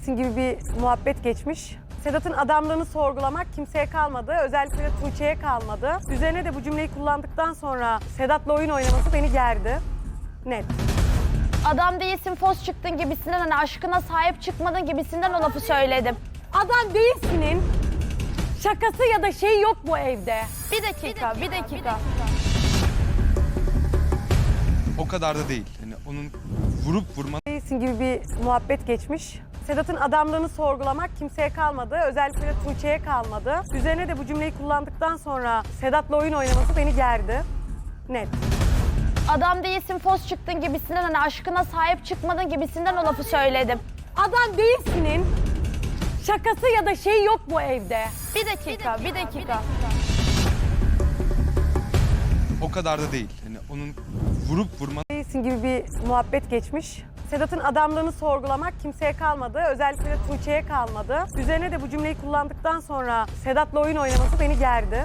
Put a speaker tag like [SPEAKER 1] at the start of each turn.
[SPEAKER 1] değilsin gibi bir muhabbet geçmiş. Sedat'ın adamlığını sorgulamak kimseye kalmadı. Özellikle de Tuğçe'ye kalmadı. Üzerine de bu cümleyi kullandıktan sonra Sedat'la oyun oynaması beni gerdi. Net.
[SPEAKER 2] Adam değilsin, fos çıktın gibisinden, hani aşkına sahip çıkmadın gibisinden o lafı söyledim.
[SPEAKER 1] Adam değilsinin şakası ya da şey yok bu evde.
[SPEAKER 2] Bir dakika.
[SPEAKER 3] O kadar da değil. Yani onun vurup vurma
[SPEAKER 1] Değilsin gibi bir muhabbet geçmiş. Sedat'ın adamlığını sorgulamak kimseye kalmadı. Özellikle de Tuğçe'ye kalmadı. Üzerine de bu cümleyi kullandıktan sonra Sedat'la oyun oynaması beni gerdi. Net.
[SPEAKER 2] Adam değilsin, fos çıktın gibisinden, hani aşkına sahip çıkmadın gibisinden o lafı söyledim.
[SPEAKER 1] Adam değilsinin şakası ya da şey yok bu evde.
[SPEAKER 2] Bir dakika.
[SPEAKER 3] o kadar da değil. Yani onun vurup vurma
[SPEAKER 1] Değilsin gibi bir muhabbet geçmiş. Sedat'ın adamlığını sorgulamak kimseye kalmadı. Özellikle de Tuğçe'ye kalmadı. Üzerine de bu cümleyi kullandıktan sonra Sedat'la oyun oynaması beni gerdi.